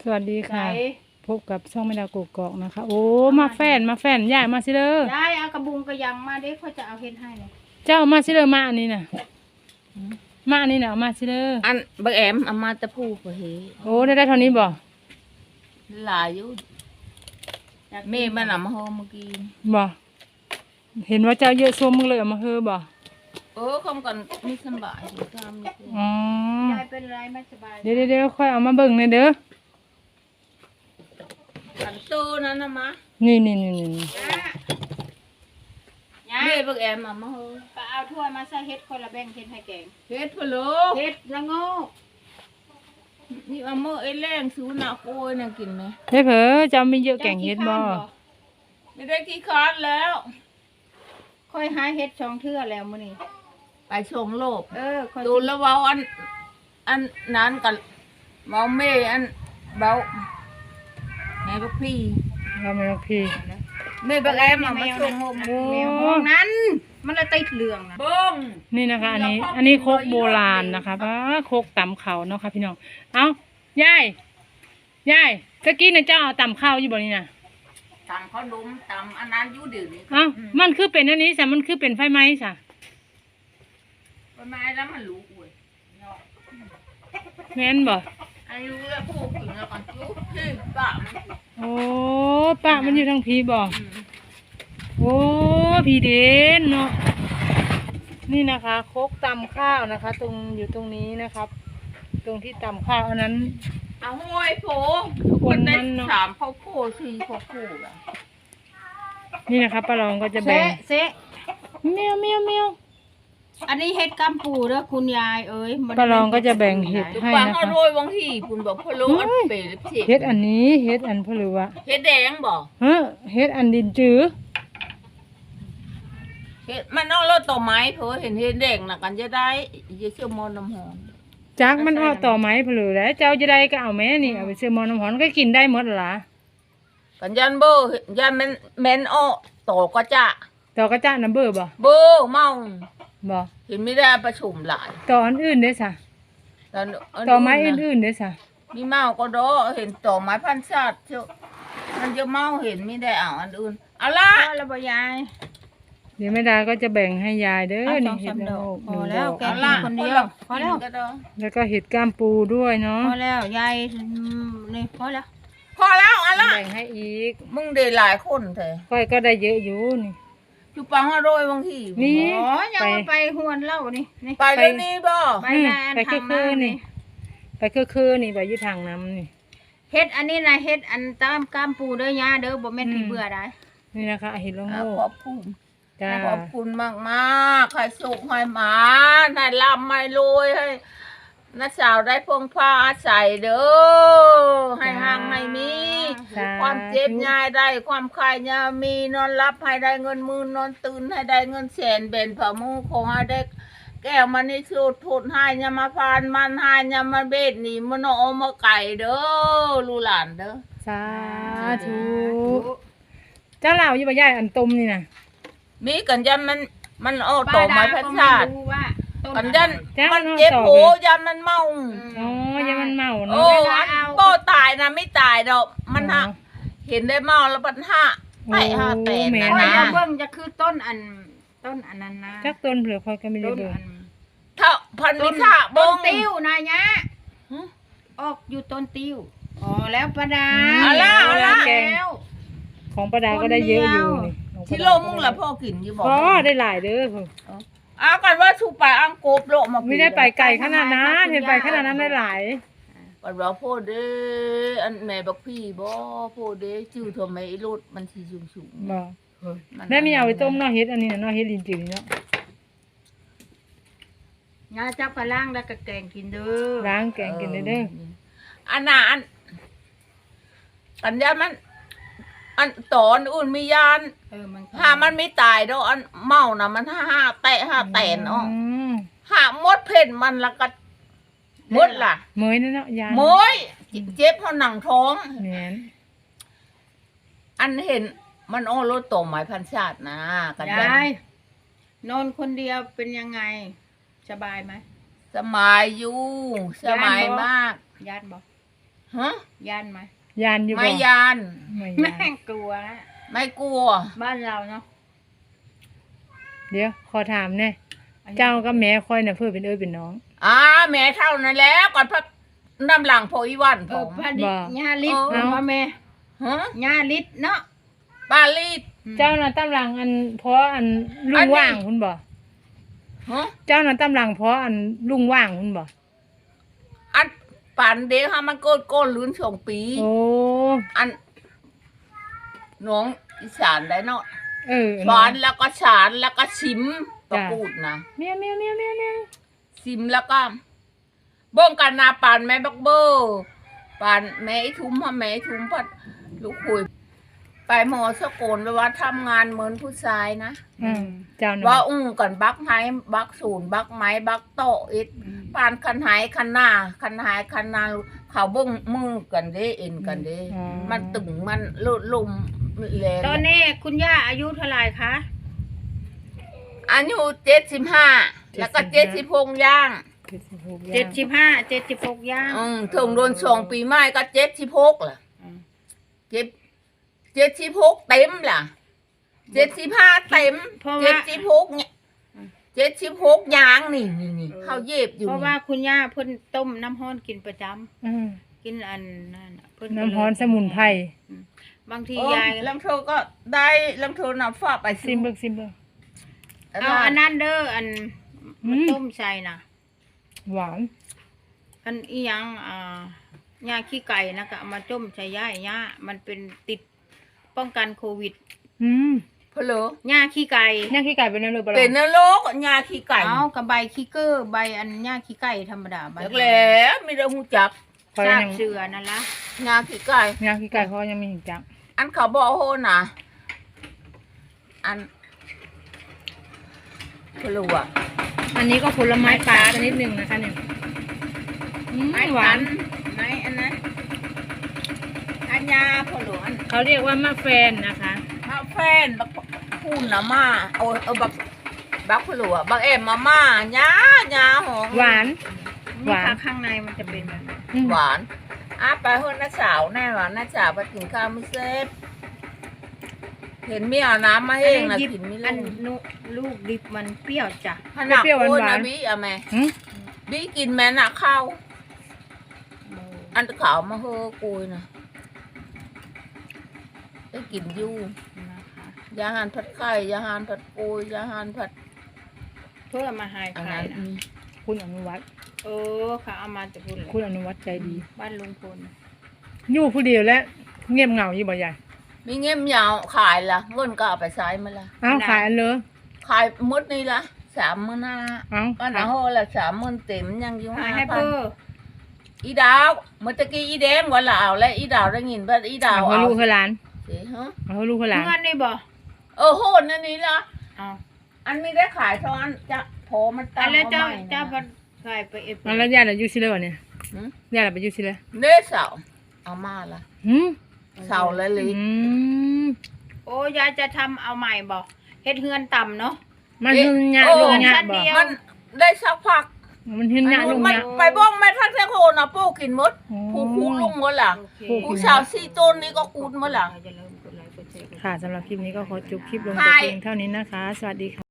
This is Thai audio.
สวัสดีค่ะไหนพบกับช่องแม่ดาวกกอกนะคะ โอ้มาแฟนยายมาสิเด้อยายเอากระบุงกระยังมาเด็กเขาจะเอาเฮ็ดให้เลยเจ้ามาสิเด้อมาอันนี้น่ะมาอันนี้น่ะเอามาสิเด้ออันบักแอมเอามาแตะพูกเฮโอ้ได้เท่านี้บ่หลายอยู่แม่มันเอามาโฮเมื่อกี้บ่เห็นว่าเจ้าเยอะส้มมึงเลยเอามาเฮอบ่คำกันมีสบายอยู่ตามนี่คืออ๋อยายเป็นไรไม่สบายเดี๋ยวค่อยเอามาเบิ่งหน่อยเด้ออันโตนั้นนะมะนี่ยาแม่บักแอมเอามาโฮไปเอาถ้วยมาใส่เฮ็ดคนละแบ่งเฮ็ดให้แกงเฮ็ดพะโลเฮ็ดละโงกนี่เอามาไอ้แรงสูน่ะโกยน่ะกินไหมเฮ้ยเผอเจ้ามีเยอะแกงเฮ็ดบ่ไม่ได้ขี้คร้านแล้วค่อยหาเฮ็ดช่องเทื่อแล้วมื้อนี้ไปชงโลบค่อยดูแล้วเว้าอันนั้นกันเว้าแม่อันเว้าแม่บักพี่เอามาพี่แม่บักแอมเอามาชงโฮมโอ้แมวห้องนั้น มันละติดเหลืองนะเบิ้งนี่นะคะ อันนี้โคกโบราณนะคะป้าโคกตำเขาเนาะค่ะพี่น้องเอายายตะกี้น่ะเจ้าเอาตำข้าวอยู่บ่นี่น่ะตำข้าวดมตำอันนั้นอยู่เดี๋ยวนี้เอ้ามันคือเป็นอันนี้ซะมันคือเป็นไฟไหม้ซะประมาณแล้วมันรู้อุ้ยแม่นบ่อายุแล้วพูดถึงแล้วก่อนจุ๊บพี่ปะมันโอ้ป้ามันอยู่ทางพีบ่โอ้พีเด่นเนาะนี่นะคะโคกตำข้าวนะคะ ตรงอยู่ตรงนี้นะครับ ตรงที่ตำข้าวอันนั้นเอาห้อยโผคนนั้ได้นเนอะสามข้าวโพดสี่ข้าวโพดอ่ะนี่นะคะป้ารองก็จะแบ่งเซะเมียวอันนี้เฮ็ดกำปูเด้อคุณยายเอ้ยป้ารองก็จะแบ่งเห็ดตุ๊กให้ปังนะเอาคะโรยบางทีคุณบอกพะโล้อันเปรี้ยวเผ็ดเฮ็ดอันนี้เฮ็ดอันเพลือวะเฮ็ดแดงบอกเฮ้เฮ็ดอันดินจื้อเฮ็ดมันเอารถต่อไม้เถอะเห็นเฮ็ดแดงน่ะกันจะได้จะเชื่อมอนน้ำหอมจักมันเอาต่อไม้เพลือแล้วเจ้าจะได้ก็เอาแม่นี่เอาไปซื้อหมอน้ำหอนก็กินได้หมดล่ะกันยันเบอร์ยันแม่นอ้อต่อก็จะต่อกระจ้าน้ำเบื่อบ่เบอร์เมาบ่เห็นไม่ได้ประชุมหลายต่ออันอื่นเด้อซะแต่นต่อไม้อื่นๆเด้อซะมีเมาก็ดอเห็นต่อไม้พันชาติเชียวมันจะเมาเห็นไม่ได้เอาอันอื่นเอาละพอแล้วบ่ยายเดี๋ยวแม่ดาก็จะแบ่งให้ยายเด้อเอานี่ 2-3 เห็ดดละอกโงกพหนึ่องดแล้วอกแกกินคนเดียวพอแล้วก็ดอแล้วก็เห็ดก้ามปูด้วยเนาะพอแล้วยายนี่พอแล้วพอแล้วเอาละแบ่งให้อีกมึงได้หลายคนเถอะค่อยก็ได้เยอะอยู่นี่จุปังอร่อยบางทีนี่อ๋อยังเอาไปหวนเหล้านี่นี่ไปเดี๋ยวนี้บ่ไปนานไปคือทางน้ำนี่นี่ไปคือนี่ไปอยู่ทางน้ำนี่เฮ็ดอันนี้นะเฮ็ดอันตามกามปูเด้อยาเด้อบ่แม่นพี่เบื่อได้นี่นะคะเห็ดละโงขกอบคุณจ้าขอบคุณมากมากๆใครสุขให้หมาให้ร่ำให้รวยให้น้าสาวได้พงผ้าอาศัยเด้อให้ห่างให้มีสาธุความเจ็บยายได้ความคายยามีนอนรับให้ได้เงินหมื่นนอนตื่นให้ได้เงินแสนเบนผ่ามือขอให้ได้แก้วมันนี่สุดทุดให้ยามาพานมันให้ยามาเบ็ดหนีมันเอามาไก่เด้อลูกหลานเด้อสาธุเจ้าเหล่าอยู่บ่ยายอันตมนี่น่ะมีกันยันมันเอาต่อไม้พันชาติป้ดก็ไม่รู้ว่าต้กันยันจ้ามัมันเจ็บโหยันมันเมาอ๋อยังมันเมาโอ้เนาะอันโบตายนะไม่ตายดอกมันฮะเห็นได้เมาแล้วปัญหาไปหาแต่แม่นะโอ้ยนะอย่าเบิ่งจะคือต้นอันนั้นนะจักต้นเผือกค่อยก็ไม่ได้ต้นเบิ่งอันถ้าพันนิสาบต้นงติ้วนายะออกอยู่ต้นติ้วอ๋อแล้วประดาเอาละเอาละแล้วของประดาก็ได้เยอะอยู่นี่ที่โลมึงละพ่อกินอยู่บอกพอได้หลายเด้อพุ่นอากันว่าชูไปอังกบโลมาไม่ได้ไปไกลขนาดนั้นเห็นไปขนาดนั้นได้หลายกันว่าพ่อเด้อันแม่บักพี่บ่พ่อเด้ชื่อทำไมรถมันสีสูงบ่ๆได้มีเอาไปต้มเนาะเฮ็ดอันนี้น่ะเนาะเฮ็ดลินจือนี่เนาะงาจับกระล่างแล้วก็แกงกินเด้อล้างแกงกินได้เด้ออันน่ะอันยานมัน อันตอนอุ่นมียานมันถ้ามันไม่ตายดอกอันเมานะมันห้าแตะห้าแตนอ๋อมหามดเพ่นมันแล้วก็มดล่ะเหมยนั่นเนาะยายโมยเจ็บเพราะหนังท้องแม่นอันเห็นมันอ้อรถต่อหมายพันชาตินะกันยายนอนคนเดียวเป็นยังไงสบายไหมสมัยอยู่สมัยมากญาติบอกฮฮะยานไหมยานอยู่บ่ไม่ยานไม่แม่ยานงกลัวนะไม่กลัวบ้านเราเนาะเดี๋ยวขอถามแน่เจ้ากับแม่ค่อยน่ะเพื่อเป็นเอ้ยเป็นน้องแม่เท่านั้นแล้วก่อนพักน้ำหลังพออีวันผเออมพอดีบ่ญาลิศเออเอาแม่ฮะญาลิศเนาะปาลีดเจ้าน่ะตำหลังอันเพราะอันลุอังนนี้ว่างคุณบ่ฮะเจ้าน่ะตำหลังเพราะอันลุงว่างคุณบ่อันป่านเดียวฮะมันโก้นลื้นสองปีโอ้อันน้องอีสานได้เนาะเออสอนแล้วก็ฉานแล้วก็ชิมประพูดนะเมียวเมียวเมียวเมียวเมียวชิมแล้วก็เบิ่งกันนาปานแม่บักเบอร์ปานแม่ไอ้ทุ้มพ่อแม่ไอ้ทุ้มพัดลูกคุยไปหมอสกลไปว่าทำงานเหมือนผู้ชายนะเจ้าน่ะว่าก่อนบักไม้บักศูนย์บักไม้บักโตะอิดปานคันหายคันหน้าคันหายคันหน้าเขาเบิ่งมือกันเด้เอ็นกันเด้มันตึงมันลุมแรงตอนนี้คุณย่าอายุเท่าไหร่คะอายุ75แล้วก็76ย่าง 76ย่างถึงโดน2ปีใหม่ก็76ล่ะ76เต็มล่ะ75เต็ม76เนี่ย76ย่างนี่เขาเย็บอยู่เพราะว่าคุณย่าเพิ่นต้มน้ำร้อนกินประจำกินอันนั่นน่ะเพิ่น้ำร้อนสมุนไพรบางทีโอ้ยายลำโทก็ได้ลำโทนำฝากไปซิมเบิกซิมเบิกเอาอันนั้นเด้ออันอืมมาต้มใส่น่ะหวานอันอีหยังหญ้าขี้ไก่นะก็เอามาต้มใส่ย่ามันเป็นติดป้องกันโควิดเพลอหญ้าขี้ไก่ย่างขี้ไก่เป็นอะไรบ้างเป็นนรกยาขี้ไก่เอากับใบขี้เกอร์ใบอันหญ้าขี้ไก่ธรรมดาใบจักแล้วมีแต่หูจักคอยซากยังเสือนั่นละยาขี้ไก่ย่างขี้ไก่เขายังไม่เห็นจังอันเขาบอกโหนะอันเพลออันนี้ก็ผลไม้ป่าชนิดหนึ่งนะคะเนี่ยไม้หวาขันนไม้อันนั้นอันยาผลอันเขาเรียกว่ามะแฟนนะคะมาแฟนบักพูนนะมาเอาบักเพลอบักเอ็มมาม่าญาหอมหวาน หนี่วานค่ะข้างในมันจะเป็นแบบนั้นอืมหวานไปเฮือนน้าสาวแน่หวานน้าสาวไปกินข้าวไม่เซฟเห็นไม่เอาน้ำมาให้เองนะยิบกินไม่อัลนงลูกดิบมันเปรี้ยวจ้ะขนาดเปรี้ยวโอ้ยหวานนะบี้อะแม่หืมบี้กินแม่น่ะข้าวอันขาวมาเฮอกุยนะได้กินอยู่นะคะยาหานผัดไข่ยาหานผัดกุยยาหานผัดเพื่อมาหายอันไข่นั้นนะคุณอนุวัฒน์ค่ะเอามาจากพุ่นเลยคุณอนุวัฒน์ใจดีบ้านลุงพลอยู่ผู้เดียวและเงียบเหงาอยู่บ่ใหญ่มีเงี้ยมยาวขายละเงินก็เอาไปใช้มาละอ้าวขายอันเลยขายหมดนี่ละ30,000หน้าอ้าวก็หนาโหละ30,000เต็มยังอยู่หายให้เพื่ออีดาวเมื่อตะกี้อีแดงว่าละเอาและอีดาวได้ยินว่าอีดาวเอาลูกเขาหลานสิฮะเอาลูกเขาหลานเงินนี่บ่โหดนั่นนี่ละเอาอันไม่ได้ขายเท่าอันจะโผล่มันอัตั้นงแล้วเจ้าอใหม่นะเจ้าพันใส่ไปเอฟเอาแล้วญาติเราอยู่ซิเลยวะเนี่ยหืมญาติเราไปอยู่ซิเลเนื้อเสาเอามาละหืมเสาและลิอืมโอ้ยายจะทำเอาใหม่บ่เฮ็ดเฮือนต่ำเนาะมันหึงยะลงยะบ่มันได้สักพักมันหึงยะลงมันยะไปบ้องแม่ทักเทโคนะปูกินหมดอ๋อผู้คูลุงหมดล่ะโอเคผู้สาวสี่ต้นนี้ก็กูดหมดล่ะอย่าลืมกดไลค์กดแชร์กดค่ะสำหรับคลิปนี้ก็ขอจบคลิปลงแต่เพียงเท่านี้นะคะ สวัสดีค่ะ